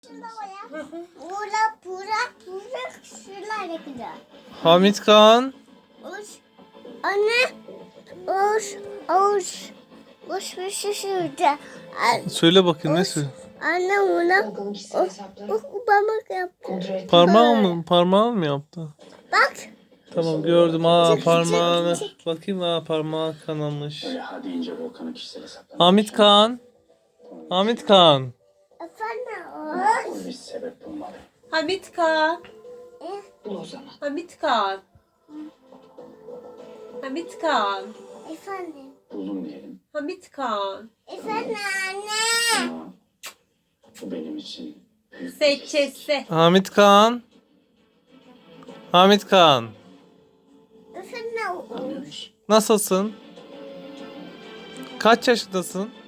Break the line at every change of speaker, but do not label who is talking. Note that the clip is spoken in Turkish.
Şuralar güzel.
Hamit Kaan.
Anne. Uş bir şey şurada.
Söyle bakayım ne söyle.
Anne ona
Bakalım kişisel hesapları
parmak yaptı.
kontrol ettim.
Parmağın mı yaptı?
Bak.
Tamam gördüm.
Çık,
Parmağını.
çık.
Bakayım parmağı kanamış.
Öyle ha deyince Volkan'ın kişisel hesaplarına
Hamit Kaan. Hamit Kaan.
Efendim.
bir sebep bulmalı.
Hamit Kaan.
Bul o zaman.
Hamit Kaan. Hamit Kaan.
Efendim.
Buldum diyelim.
Hamit Kaan.
Efendim anne.
Ama bu benim için büyük bir
Seçesi.
Hamit Kaan. Hamit Kaan.
Efendim.
anlıyor musun?
Nasılsın? Kaç yaşındasın?